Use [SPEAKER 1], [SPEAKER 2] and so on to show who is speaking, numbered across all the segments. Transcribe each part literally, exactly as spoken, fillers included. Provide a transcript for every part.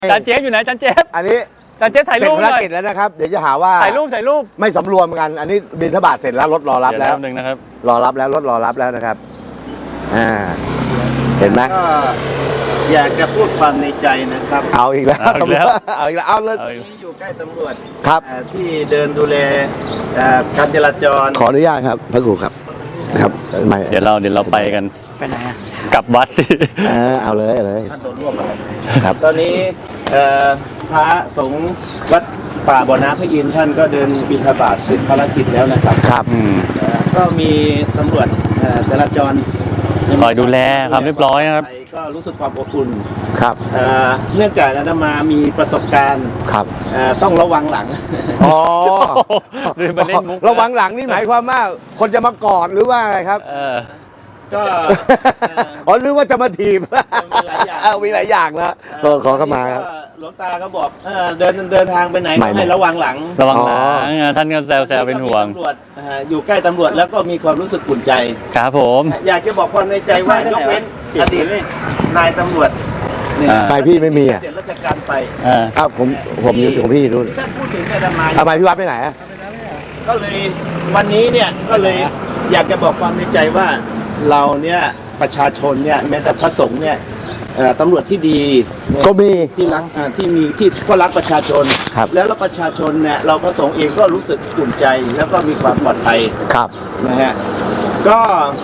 [SPEAKER 1] จานเจฟอยู่ไหนจานเจฟ
[SPEAKER 2] อันนี้
[SPEAKER 1] จานเจฟถ่ายรูปหน่อย
[SPEAKER 2] เสร็จภารกิจแล้วนะครับเดี๋ยวจะหาว่า
[SPEAKER 1] ถ่ายรูปถ่ายรูป
[SPEAKER 2] ไม่สำรวมกันอันนี้บิณฑบาตเสร็จแล้วรถรอรับแล้ว
[SPEAKER 1] หนึ่งนะครับ
[SPEAKER 2] รอรับแล้วรถรอรับแล้วนะครับอ่าเห็นไหม
[SPEAKER 3] ก็อยากจะพูดความในใจนะครับ
[SPEAKER 2] เอาอีกแล้วตำรวจเอาอีกแล้วเอาเลย
[SPEAKER 3] ที่อยู่ใกล้ตำรวจ
[SPEAKER 2] ครับ
[SPEAKER 3] ที่เดินดูแลการจราจร
[SPEAKER 2] ขออนุญาตครับพระครูครับครับไม่
[SPEAKER 1] เดี๋ยวเราเดี๋ยวเราไปกันไปไหนอ่ะกลับวัด
[SPEAKER 2] เออเอาเลยเอาเลย
[SPEAKER 3] ท่านโดนร่วมครับตอนนี้พระสงฆ์วัดป่าบ่อน้ำพระอินทร์ท่านก็เดินบิณฑบาตเสร็จภารกิจแล้วนะครับ
[SPEAKER 2] ครับ
[SPEAKER 3] ก็มีตำรวจจราจร
[SPEAKER 1] คอยดูแลความเรียบร้อยนะครับ
[SPEAKER 3] ก็รู้สึกความอบอุ่น
[SPEAKER 2] ครับ
[SPEAKER 3] เนื่องจากอาตมามีประสบการณ์
[SPEAKER 2] ครับ
[SPEAKER 3] ต้องระวังหลัง
[SPEAKER 2] อ๋อระวังหลังนี่หมายความว่าคนจะมากอดหรือว่าอะไรครับ
[SPEAKER 3] ก็
[SPEAKER 2] อ๋อหรือว่าจะมาถีบมีหลายอย่างนะก็ขอเข้ามาครับ
[SPEAKER 3] หลวงตาก็บอกเดินเดินทางไปไหนให้ระวังหลัง
[SPEAKER 1] ระวังหลังท่านก็แซวแซวเป็นห่วง
[SPEAKER 3] ตำรวจอยู่ใกล้ตำรวจแล้วก็มีความรู้สึกอุ่นใจ
[SPEAKER 1] ครับผม
[SPEAKER 3] อยากจะบอกความในใจว่ายกเว้นอดีตนายตำรวจ
[SPEAKER 2] ไปพี่ไม่มีอ่ะ
[SPEAKER 3] เสร็จราชการไป
[SPEAKER 2] อ้าวผมผมอยู่ของพี่นู่น
[SPEAKER 3] ท่านพูดถึงอาตมา
[SPEAKER 2] ทำไมพี่วัดไปไหนอ่ะ
[SPEAKER 3] ก็เลยวันนี้เนี่ยก็เลยอยากจะบอกความในใจว่าเราเนี่ยประชาชนเนี่ยแม้แต่พระสงฆ์เนี่ยตำรวจที่ดี
[SPEAKER 2] ก็มี
[SPEAKER 3] ที่รักที่มีที่ก็รักประชาชนแล้วเราประชาชนเนี่ยเราพระสงฆ์เองก็รู้สึกอุ่นใจแล้วก็มีความปลอดภัย
[SPEAKER 2] ครับ
[SPEAKER 3] นะฮะก็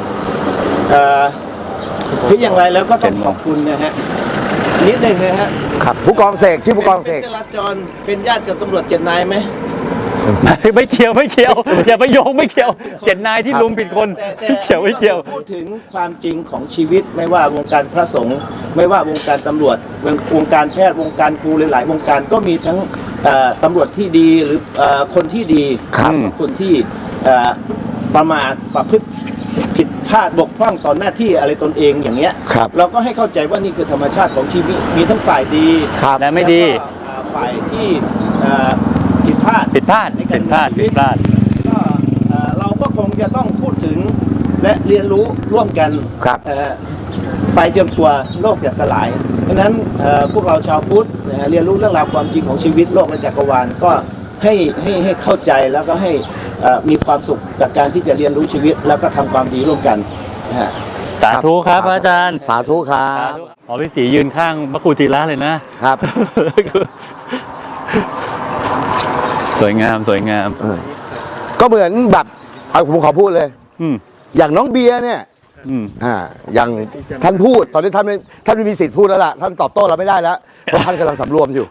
[SPEAKER 3] ที่อย่างไรแล้วก็ต้องขอบคุณนะฮะนิดหนึ่งนะฮะ
[SPEAKER 2] ครับผู้กองเสกชื่อผู้กองเสก
[SPEAKER 3] จราจรเป็นญาติกับตำรวจเจ็ดนายไหม
[SPEAKER 1] ไม่เกี่ยวไม่เกี่ยวอย่าไปโยงไม่เกี่ยวเจ็ดนายที่ลุมผิดคนไม่เกี่ยวไม่เกี่ยว
[SPEAKER 3] พูดถึงความจริงของชีวิตไม่ว่าวงการพระสงฆ์ไม่ว่าวงการตำรวจวงการแพทย์วงการครูหลายๆวงการก็มีทั้งตำรวจที่ดีหรือคนที่ดีคนที่ประมาทประพฤติผิดพลาดบกพร่องต่อหน้าที่อะไรตนเองอย่างเงี้ยเราก็ให้เข้าใจว่านี่คือธรรมชาติของชีวิตมีทั้งฝ่ายดี
[SPEAKER 1] และไม่ดี
[SPEAKER 3] ฝ่ายที่ผิดพลาด
[SPEAKER 1] ผิดพลาดผิดพลาดผิดพลาด
[SPEAKER 3] ก็เราก็คงจะต้องพูดถึงและเรียนรู้ร่วมกันไปจนตัวโลกจะสลายเพราะฉะนั้นพวกเราชาวพุทธเรียนรู้เรื่องราวความจริงของชีวิตโลกและจักรวาลก็ให้ให้ให้เข้าใจแล้วก็ให้มีความสุขจากการที่จะเรียนรู้ชีวิตแล้วก็ทำความดีร่วมกัน
[SPEAKER 1] สาธุครับอาจารย์
[SPEAKER 2] สาธุครับ
[SPEAKER 1] อ๋อพี่ศรียืนข้างพระครูธีระเลยนะครับสวยงามสวยงาม
[SPEAKER 2] ก็เหมือนแบบเอาผมขอพูดเลยอย่างน้องเบียร์เนี่ยอ่าอย่างท่านพูดตอนนี้ท่านไม่ท่านไม่มีสิทธิ์พูดแล้วล่ะท่านตอบโต้เราไม่ได้แล้วเพราะท่านกำลังสำรวมอยู่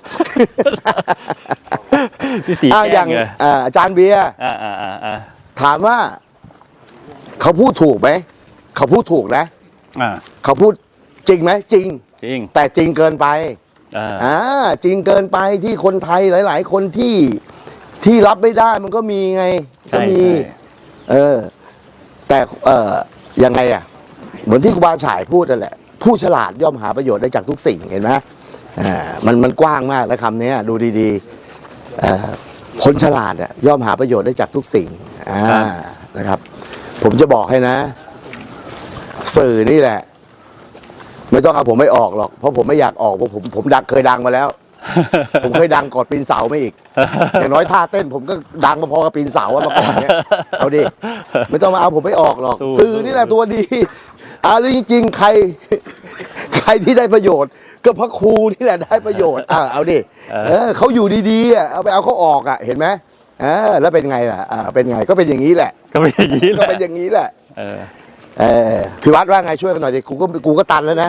[SPEAKER 2] อ่าอย่างอาจารย์เบียร์ถามว่าเขาพูดถูกไหมเขาพูดถูกนะเขาพูดจริงไหมจริง
[SPEAKER 1] จริง
[SPEAKER 2] แต่จริงเกินไปอ่าจริงเกินไปที่คนไทยหลายๆคนที่ที่รับไม่ได้มันก็มีไงก็มีเออแต่เออยังไงอ่ะเหมือนที่ครูบาฉายพูดนั่นแหละผู้ฉลาดย่อมหาประโยชน์ได้จากทุกสิ่งเห็นไหมอ่ามันมันกว้างมากนะคำนี้ดูดีๆอ่าคนฉลาดอ่ะย่อมหาประโยชน์ได้จากทุกสิ่งอ่านะครับผมจะบอกให้นะสื่อนี่แหละไม่ต้องเอาผมไม่ออกหรอกเพราะผมไม่อยากออกเพราะผมผมดังเคยดังมาแล้วผมเคยดังกอดปีนเสาไม่อีกอย่างน้อยท่าเต้นผมก็ดังมาพอกับปีนเสามาก่อนเนี่ยเอาดิไม่ต้องมาเอาผมไม่ออกหรอกสื่อนี่แหละตัวดีอ่าแล้วจริงๆใครใครที่ได้ประโยชน์ก็พระครูนี่แหละได้ประโยชน์อ่าเอาดิเออเขาอยู่ดีๆอ่ะเอาไปเอาเขาออกอ่ะเห็นไหมเออแล้วเป็นไงล่ะอ่าเป็นไงก็เป็นอย่างนี้แหละ
[SPEAKER 1] ก็เป็นอย่างนี้
[SPEAKER 2] ก็เป็นอย่างนี้แหละเออเออพี่วัดว่าไงช่วยกันหน่อยดิกูก็กูก็ตันแล้วนะ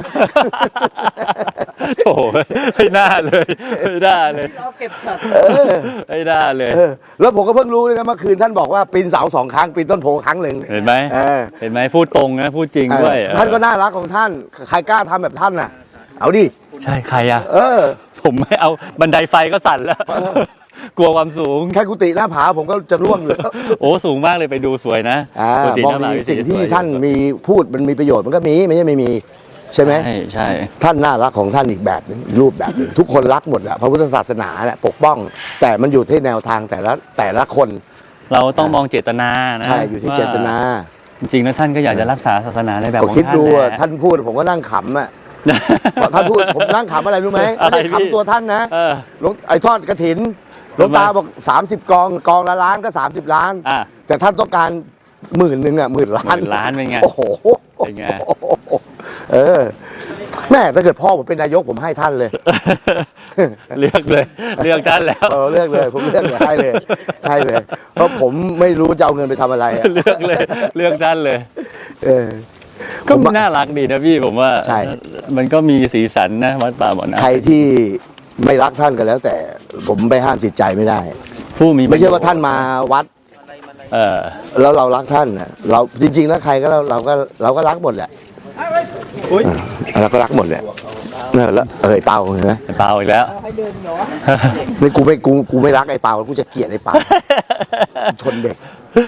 [SPEAKER 1] โอ้ไม่น่าเลยไม่น่าเลยเราเก็บสัตว์ไม่น่าเลย
[SPEAKER 2] แล้วผมก็เพิ่งรู้เลยนะเมื่อคืนท่านบอกว่าปีนเสาสองครั้งปีนต้นโพครั้งหนึ่ง
[SPEAKER 1] เห็นไหมเห็นไหมพูดตรงนะพูดจริงด้วย
[SPEAKER 2] ท่านก็น่ารักของท่านใครกล้าทำแบบท่านน่ะเอาดิ
[SPEAKER 1] ใช่ใครอ่ะ
[SPEAKER 2] เออ
[SPEAKER 1] ผมไม่เอาบันไดไฟก็สั่นแล้วกลัวความสูง
[SPEAKER 2] แค่กุฏิหน้าผาผมก็จะร่วงเลย
[SPEAKER 1] โอ้สูงมากเลยไปดูสวยนะ
[SPEAKER 2] มองมีสิ่งที่ท่านมีพูดมันมีประโยชน์มันก็มีไม่ใช่ไม่มีใช่ไหม
[SPEAKER 1] ใช่ใช่
[SPEAKER 2] ท่านน่ารักของท่านอีกแบบหนึ่งรูปแบบหนึ่งทุกคนรักหมดแหละพระพุทธศาสนาแหละปกป้องแต่มันอยู่ที่แนวทางแต่ละแต่ละคน
[SPEAKER 1] เราต้องมองเจตนานะ
[SPEAKER 2] ใช่อยู่ที่เจตนา
[SPEAKER 1] จริงๆแล้วท่านก็อยากจะรักษาศาสนาในแบบของท่าน
[SPEAKER 2] คิดดูท่านพูดผมก็นั่งขำอ่ะท่านพูดผมนั่งขำอะไรรู้ไหม
[SPEAKER 1] อะไร
[SPEAKER 2] ไม่ได้
[SPEAKER 1] พี่
[SPEAKER 2] ขำตัวท่านนะ
[SPEAKER 1] เออ
[SPEAKER 2] หลวงไอ้ทอดกระถินหลวงตาบอกสามสิบกองกองละล้านก็สามสิบล้าน
[SPEAKER 1] อ่ะ
[SPEAKER 2] แต่ท่านต้องการหมื่นหนึ่งอ่ะหมื่นล้าน
[SPEAKER 1] หมื่นล้านเป็นไง
[SPEAKER 2] โอ้โห
[SPEAKER 1] เป็นไง
[SPEAKER 2] เออแม่ถ้าเกิดพ่อผมเป็นนายกผมให้ท่านเลย
[SPEAKER 1] เลือกเลย เลือกท่านแล้ว
[SPEAKER 2] เออเลือกเลยผมเลือกเลยให้เลยให้เลย เพราะผมไม่รู้จะเอาเงินไปทำอะไรอะ
[SPEAKER 1] เลือกเลย เลือกท่านเลย
[SPEAKER 2] เออ
[SPEAKER 1] ก็
[SPEAKER 2] ผมว่า
[SPEAKER 1] น่ารักดีนะพี่ผมว่า
[SPEAKER 2] ใช่
[SPEAKER 1] มันก็มีสีสันนะวัดป่าบ่อน้ำ
[SPEAKER 2] ใครที่ไม่รักท่านก็แล้ว แต่ผมไปห้ามจิตใจไม่ได้
[SPEAKER 1] ผู้มี
[SPEAKER 2] ไม่ใช่ว่าท่านมาวัด
[SPEAKER 1] เออ
[SPEAKER 2] แล้วเรารักท่านนะเราจริงๆแล้วใครก็เราเราก็เราก็รักหมดแหละ
[SPEAKER 3] อุ๊ย
[SPEAKER 2] เออเราก็รักหมดแหละเออแล้วเออไอ้เปาเห็นไหม
[SPEAKER 1] เปล่าอีกแล้ว
[SPEAKER 2] ไม่กูไม่กูกูไม่รักไอ้เปากูจะเกลียดไอ้เปาชนเด็ก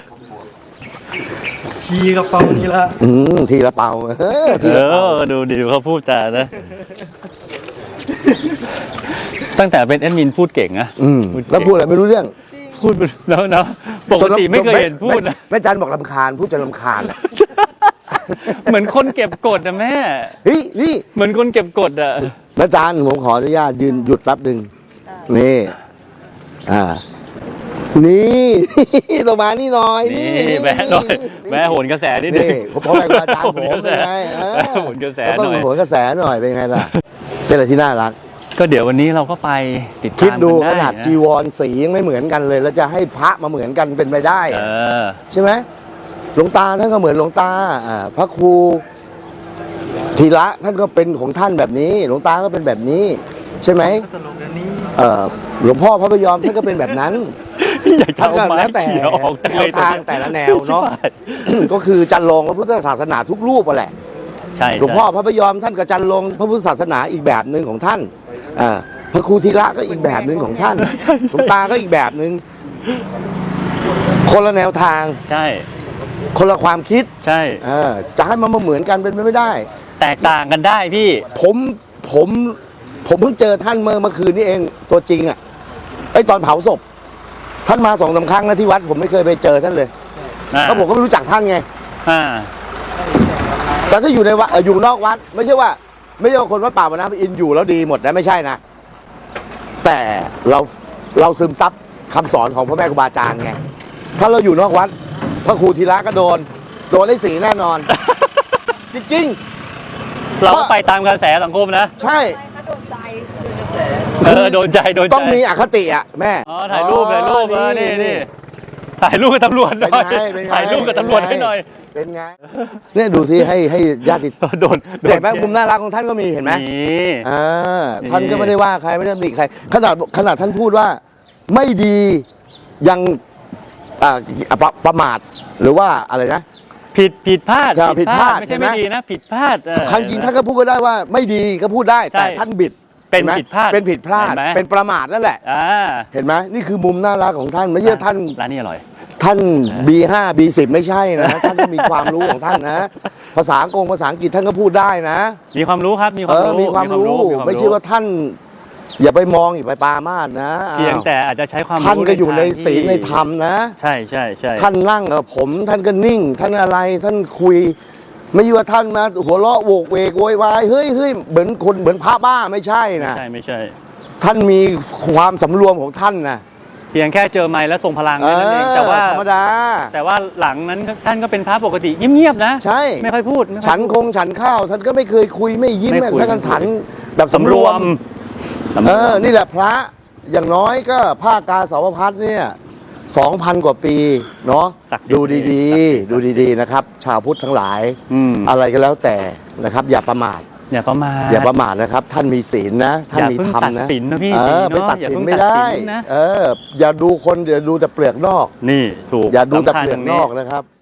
[SPEAKER 3] ขี่กระเป๋านี่ละ
[SPEAKER 2] อืมทีละเปาเออที
[SPEAKER 1] เอ
[SPEAKER 2] ละเปา
[SPEAKER 1] อ ดูดิดูเขาพูดจานะ ตั้งแต่เป็นแอดมินพูดเก่งนะ
[SPEAKER 2] อืมแล้วพูดอะไรไม่รู้เรื่อง
[SPEAKER 1] พูดแล้วนะปกติไม่เคยเห็นพูดนะ
[SPEAKER 2] แม่จันบอกลำคาญพูดจนลำคาญอะ
[SPEAKER 1] เหมือนคนเก็บกดอะแม่
[SPEAKER 2] เฮ้ยนี่
[SPEAKER 1] เหมือนคนเก็บกดอะ
[SPEAKER 2] แม่จันผมขออนุญาตยืนหยุดแป๊บหนึ่งนี่อ่านี่ ตัวมานี่หน่อย
[SPEAKER 1] นี่แม่หน่อยแม่โหนกระแสนิดนึง
[SPEAKER 2] นี่ผมพ่อแม่ครูอาจารย์ผมเป็นไงเออ
[SPEAKER 1] แม่โหนกระแส
[SPEAKER 2] ก็
[SPEAKER 1] ห
[SPEAKER 2] ต้อง
[SPEAKER 1] น่อย
[SPEAKER 2] โหนกระแสหน่อยเป็นไงล่ะเป็นอะไรที่น่ารัก
[SPEAKER 1] ก็เดี๋ยววันนี้เราก็ไปติดตาม
[SPEAKER 2] คิดดู
[SPEAKER 1] กั
[SPEAKER 2] ข
[SPEAKER 1] ไ
[SPEAKER 2] นาดจีวรสียังไม่เหมือนกันเลย แล้วจะให้พระมาเหมือนกันเป็นไปได้
[SPEAKER 1] เออ
[SPEAKER 2] ใช่ไหมหลวงตาท่านก็เหมือนหลวงตาอ่าพระครูธีระท่านก็เป็นของท่านแบบนี้ หลวงตาก็เป็นแบบนี้ ใช่ไหมเออหลวงพ่อพระพยอมท่านก็เป็นแบบนั้น
[SPEAKER 1] อยากจะ
[SPEAKER 2] ท่าน
[SPEAKER 1] เอา
[SPEAKER 2] ก็
[SPEAKER 1] ไม้
[SPEAKER 2] แล้วแต่
[SPEAKER 1] เขียวออก
[SPEAKER 2] แนวทางแต่ละแนวเนาะ ก็คือจันลงพระพุทธศาสนาทุกรูปอะแหละ
[SPEAKER 1] ใช่
[SPEAKER 2] หลวงพ่อพระพยอมท่านกับจันลงพระพุทธศาสนาอีกแบบหนึ่งของท่านอ่าพระครูธีระก็อีกแบบหนึ่งของท่านหลวงตาก็อีกแบบหนึ่งคนละแนวทาง
[SPEAKER 1] ใช่
[SPEAKER 2] คนละความคิด
[SPEAKER 1] ใช่
[SPEAKER 2] เออจะให้มันมาเหมือนกันเป็นไปไม่ได้
[SPEAKER 1] แตกต่างกันได้พี่
[SPEAKER 2] ผมผมผมเพิ่งเจอท่านเมื่อเมื่อคืนนี้เองตัวจริงอ่ะไอยตอนเผาศพ ท่านมาสองสามครั้งนะที่วัด ผมไม่เคยไปเจอท่านเลย
[SPEAKER 1] อ่า
[SPEAKER 2] เพราะผมก็ไม่รู้จักท่านไง
[SPEAKER 1] อ่า
[SPEAKER 2] แต่ถ้าอยู่ในวัดเอ่ออยู่นอกวัด ไม่ใช่ว่า ไม่ใช่ว่าคนวัดป่ามานะอินอยู่แล้วดีหมดนะไม่ใช่นะ แต่เราเราซึมซับคำสอนของพระแม่ครูบาอาจารย์ไงถ้าเราอยู่นอกวัด พระครูธีระก็โดน โดนได้สีแน่นอน จริง
[SPEAKER 1] เราก็ไปตามกระแสสังคมนะ
[SPEAKER 2] ๆ ใช่
[SPEAKER 1] เออโดนใจโดนใจ
[SPEAKER 2] ต้องมีอคติอ่ะแม่
[SPEAKER 1] อ๋อถ่ายรูปถ่ายรูปเออนี่นี่ถ่ายรูปกับตำรวจห
[SPEAKER 2] เป็น
[SPEAKER 1] น่อย
[SPEAKER 2] ไงเป็นไง
[SPEAKER 1] ถ่ายรูปกับตำรวจให้หน่อย
[SPEAKER 2] เป็นไงเนี่ยดูสิให้ให้ญาติ
[SPEAKER 1] โดนโดน
[SPEAKER 2] เห็นไหมมุมน่ารักของท่านก็มีเห็นไหม
[SPEAKER 1] นี่
[SPEAKER 2] อ่า
[SPEAKER 1] นี่
[SPEAKER 2] ท่านก็ไม่ได้ว่าใครไม่ได้ตำหนิใครขนาดขนาดท่านพูดว่าไม่ดียังอ่าประประมาทหรือว่าอะไรนะ
[SPEAKER 1] ผิดผิดพลาด
[SPEAKER 2] ครับผิดพลาด
[SPEAKER 1] ไม่
[SPEAKER 2] เห็
[SPEAKER 1] ใช่
[SPEAKER 2] นไหม
[SPEAKER 1] ไม่ดีนะ ผิดพลาดเออ
[SPEAKER 2] ครั้งจริงท่านก็พูดก็ได้ว่าไม่ดีก็พูดได้ แต่
[SPEAKER 1] ใช่
[SPEAKER 2] ท่านบิด
[SPEAKER 1] เป็น
[SPEAKER 2] ห็ไหม
[SPEAKER 1] ผิดพลาด
[SPEAKER 2] เป็นผิดพลาด
[SPEAKER 1] เห็นไหม
[SPEAKER 2] เป็นประมาทนั่นแหละ
[SPEAKER 1] อ่า
[SPEAKER 2] เห็นไหมนี่คือมุมน่ารักของท่านไม่ใช่ท่าน
[SPEAKER 1] ร้านนี้อร่อย
[SPEAKER 2] ท่าน บี ห้า บี สิบ ไม่ใช่นะ ท่านก็มีความรู้ของท่านนะ ภาษาอังกฤษภาษาอังกฤษท่านก็พูดได้นะ
[SPEAKER 1] มีความรู้ครับมีค
[SPEAKER 2] เอ
[SPEAKER 1] วาม
[SPEAKER 2] อ
[SPEAKER 1] รู้
[SPEAKER 2] มีความรู้
[SPEAKER 1] มีคว
[SPEAKER 2] ไม่ใช่ว่าท่าน อย่าไปมองอย่าไปปรามาสนะ
[SPEAKER 1] เพียง
[SPEAKER 2] อ้าว
[SPEAKER 1] แต่อาจจะใช้ความรู้
[SPEAKER 2] ท่านก็อยู่ใน
[SPEAKER 1] ทางที่
[SPEAKER 2] ศีลในธรรมนะ
[SPEAKER 1] ใช่ใช่ใช่
[SPEAKER 2] ท่านนั่งกับผม ท่านก็นิ่ง ท่านอะไร ท่านคุย ไม่ใช่ว่าท่านมาหัวเราะโวกเวกโวยวายเฮ้ยเฮ้ยเหมือนคนเหมือนพระบ้าไม่ใช่
[SPEAKER 1] ไม่
[SPEAKER 2] นะ
[SPEAKER 1] ใช่ไม่ใช่
[SPEAKER 2] ท่านมีความสำรวมของท่านนะ
[SPEAKER 1] เพียงแค่เจอไม้แล้วส่งพลัง
[SPEAKER 2] เอ
[SPEAKER 1] นั่นเอง
[SPEAKER 2] อ
[SPEAKER 1] แต่ว่า
[SPEAKER 2] ธรรมดา
[SPEAKER 1] แต่ว่าหลังนั้นท่านก็เป็นพระปกติเงียบๆนะ
[SPEAKER 2] ใช่
[SPEAKER 1] ไม่ค่อยพูดไม่ค่อย
[SPEAKER 2] ฉัน
[SPEAKER 1] พูด
[SPEAKER 2] คงฉันข้าว ท่านก็ไม่เคยคุยไม่ยิ้ม
[SPEAKER 1] ไม่คุย
[SPEAKER 2] ท่านก็ฉันแบบ
[SPEAKER 1] สำ
[SPEAKER 2] สำ
[SPEAKER 1] ร
[SPEAKER 2] ร
[SPEAKER 1] ว
[SPEAKER 2] ว
[SPEAKER 1] ม
[SPEAKER 2] ม
[SPEAKER 1] สำร
[SPEAKER 2] เอ
[SPEAKER 1] ว
[SPEAKER 2] อ
[SPEAKER 1] ม
[SPEAKER 2] นี่แหละพระอย่างน้อยก็ภาคกาสาวพัฒน์เนี่ยสองพันกว่าปีเนาะ
[SPEAKER 1] ศักดิ์สิทธิ์
[SPEAKER 2] ดูดีๆ ดูดีๆนะครับ ชาวพุทธทั้งหลาย
[SPEAKER 1] อืม
[SPEAKER 2] อะไรก็แล้วแต่นะครับ อย่าประมาท
[SPEAKER 1] อย่าประมาท
[SPEAKER 2] อย่าประมาทนะครับ ท่านมีศีลนะ ท่านมีธรรม
[SPEAKER 1] อย่าเพิ่งตั
[SPEAKER 2] นะ
[SPEAKER 1] ดสินนะพี่
[SPEAKER 2] เออ
[SPEAKER 1] ศีลเนอะ
[SPEAKER 2] ไปตัดสิน
[SPEAKER 1] อย่าเพิ่ง
[SPEAKER 2] ไม่ได้
[SPEAKER 1] ตัดสินนะ
[SPEAKER 2] เออ อย่าดูคนอย่าดูแต่เปลือกนอก
[SPEAKER 1] นี่ถูก
[SPEAKER 2] อย่าดูแต่
[SPEAKER 1] สำคัญ
[SPEAKER 2] เปลือก
[SPEAKER 1] ตรง
[SPEAKER 2] นอกนะครับ